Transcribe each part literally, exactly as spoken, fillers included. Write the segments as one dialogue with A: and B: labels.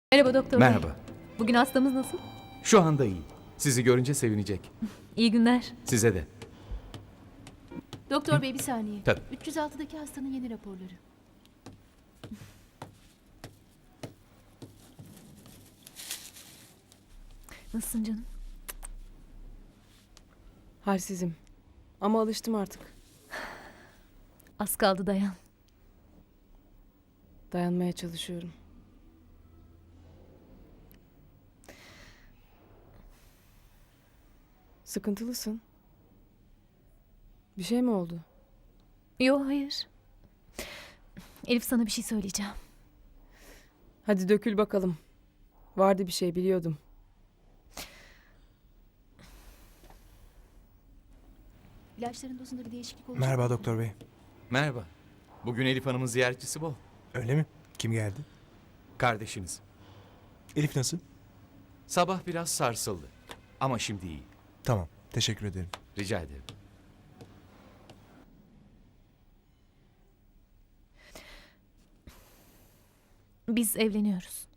A: Merhaba doktor bey.
B: Merhaba.
A: Bugün hastamız nasıl?
B: Şu anda iyi. Sizi görünce sevinecek.
A: İyi günler.
B: Size de.
C: Doktor bey bir saniye.
B: Tabii.
C: üç yüz altıdaki hastanın yeni raporları.
A: Nasılsın canım?
D: Halsizim. Ama alıştım artık.
A: Az kaldı dayan.
D: Dayanmaya çalışıyorum. Sıkıntılısın. Bir şey mi oldu?
A: Yo hayır. Elif sana bir şey söyleyeceğim.
D: Hadi dökül bakalım. Vardı bir şey biliyordum.
C: İlaçların dozunda bir değişiklik olacak.
E: Merhaba
C: mı?
E: doktor bey.
B: Merhaba. Bugün Elif Hanım'ın ziyaretçisi bol.
E: Öyle mi? Kim geldi?
B: Kardeşiniz.
E: Elif nasıl?
B: Sabah biraz sarsıldı. Ama şimdi iyi.
E: Tamam. Teşekkür ederim.
B: Rica ederim.
A: Biz evleniyoruz.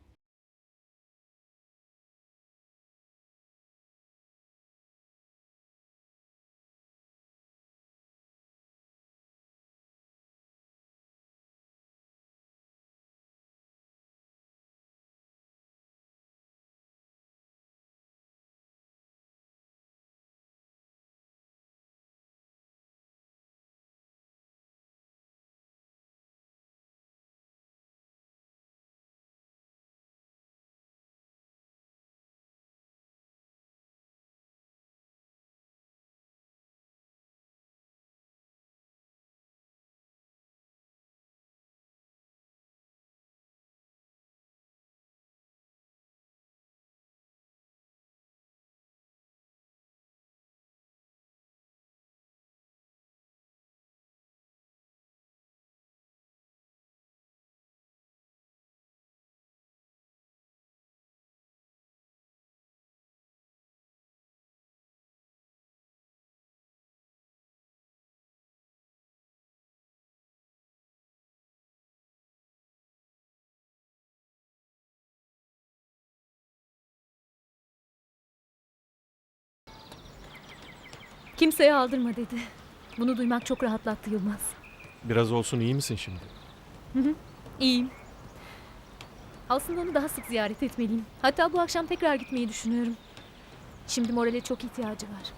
A: Kimseye aldırma dedi. Bunu duymak çok rahatlattı Yılmaz.
F: Biraz olsun iyi misin şimdi?
A: İyiyim. Aslında onu daha sık ziyaret etmeliyim. Hatta bu akşam tekrar gitmeyi düşünüyorum. Şimdi morale çok ihtiyacı var.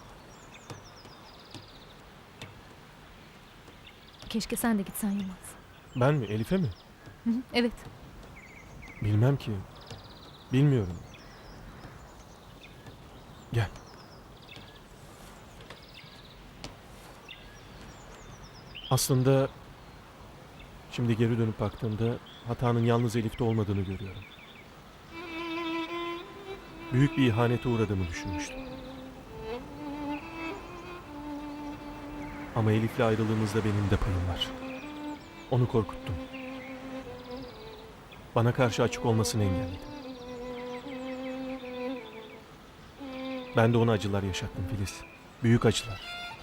A: Keşke sen de gitsen Yılmaz.
F: Ben mi? Elif'e mi?
A: Hı hı, evet.
F: Bilmem ki. Bilmiyorum. Gel. Aslında şimdi geri dönüp baktığımda hatanın yalnız Elif'te olmadığını görüyorum. Büyük bir ihanete uğradığımı düşünmüştüm. Ama Elif'le ayrılığımızda benim de payım var. Onu korkuttum. Bana karşı açık olmasını engelledim. Ben de ona acılar yaşattım Filiz. Büyük acılar.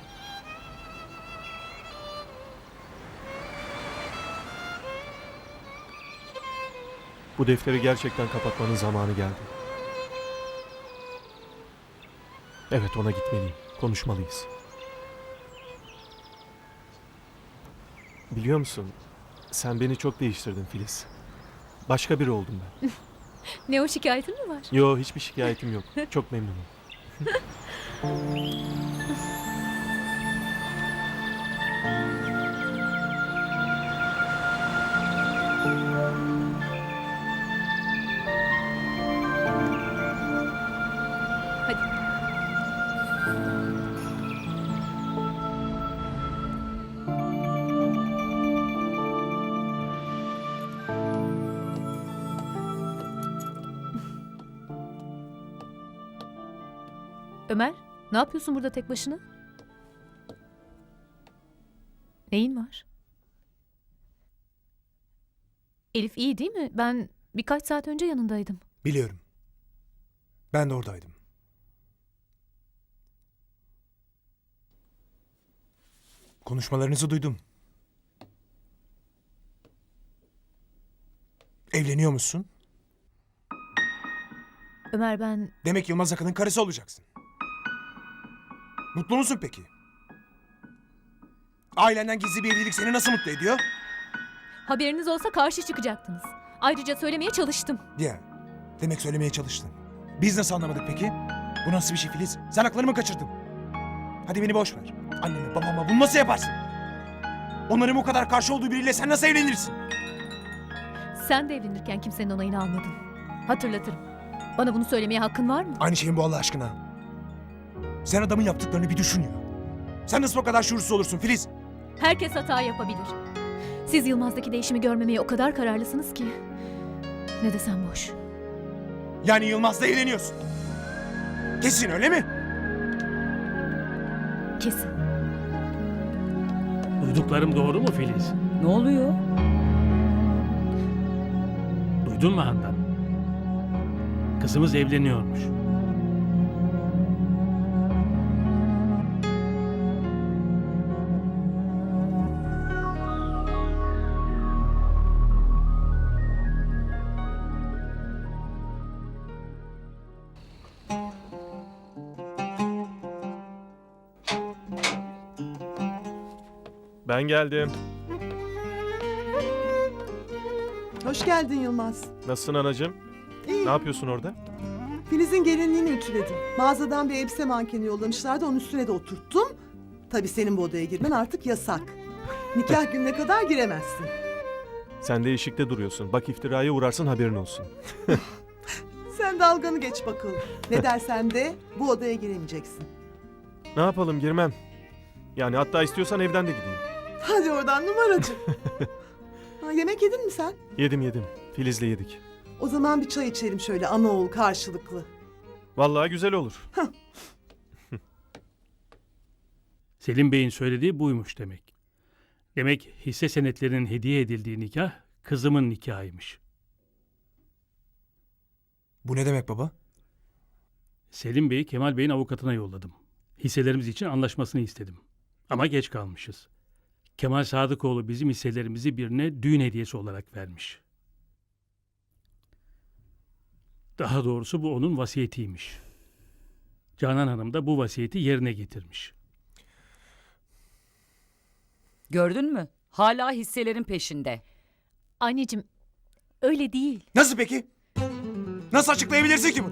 F: Bu defteri gerçekten kapatmanın zamanı geldi. Evet, ona gitmeliyim. Konuşmalıyız. Biliyor musun? Sen beni çok değiştirdin Filiz. Başka biri oldum ben.
A: Ne o, şikayetin mi var?
F: Yo, hiçbir şikayetim yok. Çok memnunum.
A: Hadi. Ömer, ne yapıyorsun burada tek başına? Neyin var? Elif iyi değil mi? Ben birkaç saat önce yanındaydım.
E: Biliyorum. Ben de oradaydım. Konuşmalarınızı duydum. Evleniyor musun?
A: Ömer ben...
E: Demek Yılmaz Akın'ın karısı olacaksın. Mutlu musun peki? Ailenden gizli bir evlilik seni nasıl mutlu ediyor?
A: Haberiniz olsa karşı çıkacaktınız. Ayrıca söylemeye çalıştım.
E: Ya, demek söylemeye çalıştın. Biz nasıl anlamadık peki? Bu nasıl bir şey Filiz? Sen aklını mı kaçırdın? Hadi beni boş ver. Anneme babama bunu nasıl yaparsın? Onların bu kadar karşı olduğu biriyle sen nasıl evlenirsin?
A: Sen de evlenirken kimsenin onayını almadın. Hatırlatırım. Bana bunu söylemeye hakkın var mı?
E: Aynı şeyin bu Allah aşkına. Sen adamın yaptıklarını bir düşün ya. Sen nasıl o kadar şuursuz olursun Filiz?
A: Herkes hata yapabilir. Siz Yılmaz'daki değişimi görmemeye o kadar kararlısınız ki... Ne desem boş.
E: Yani Yılmaz'la evleniyorsun. Kesin öyle mi?
A: Kesin.
G: Duyduklarım doğru mu Filiz?
H: Ne oluyor?
G: Duydun mu Handan? Kızımız evleniyormuş.
F: Ben geldim.
I: Hoş geldin Yılmaz.
F: Nasılsın anacığım?
I: İyi.
F: Ne yapıyorsun orada?
I: Filiz'in gelinliğini ütüledim. Mağazadan bir elbise mankeni yollamışlardı, onun üstüne de oturttum. Tabii senin bu odaya girmen artık yasak. Nikah gününe kadar giremezsin.
F: Sen de eşikte duruyorsun. Bak iftiraya uğrarsın haberin olsun.
I: Sen dalganı geç bakalım. Ne dersen de bu odaya giremeyeceksin.
F: Ne yapalım girmem. Yani hatta istiyorsan evden de gideyim.
I: Hadi oradan numaracı. Ha, yemek yedin mi sen?
F: Yedim yedim. Filiz'le yedik.
I: O zaman bir çay içelim şöyle ana oğul karşılıklı.
F: Vallahi güzel olur.
G: Selim Bey'in söylediği buymuş demek. Demek hisse senetlerinin hediye edildiği nikah kızımın nikahıymış.
E: Bu ne demek baba?
G: Selim Bey'i Kemal Bey'in avukatına yolladım. Hisselerimiz için anlaşmasını istedim. Ama geç kalmışız. Kemal Sadıkoğlu bizim hisselerimizi birine düğün hediyesi olarak vermiş. Daha doğrusu bu onun vasiyetiymiş. Canan Hanım da bu vasiyeti yerine getirmiş.
H: Gördün mü? Hala hisselerin peşinde.
A: Anneciğim, öyle değil.
E: Nasıl peki? Nasıl açıklayabilirsin ki bunu?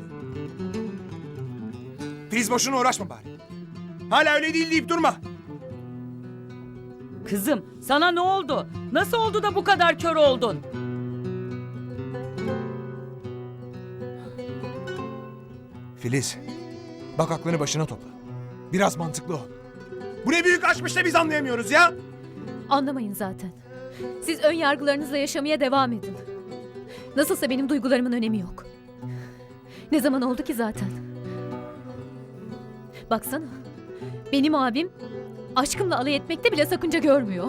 E: Filiz boşuna uğraşma bari. Hala öyle değil deyip durma.
H: Kızım, sana ne oldu? Nasıl oldu da bu kadar kör oldun?
E: Filiz, bak aklını başına topla. Biraz mantıklı ol. Bu ne büyük aşkmış da biz anlayamıyoruz ya.
A: Anlamayın zaten. Siz ön yargılarınızla yaşamaya devam edin. Nasılsa benim duygularımın önemi yok. Ne zaman oldu ki zaten? Baksana. Benim abim aşkımla alay etmekte bile sakınca görmüyor.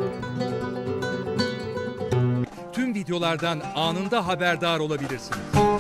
J: Tüm videolardan anında haberdar olabilirsiniz.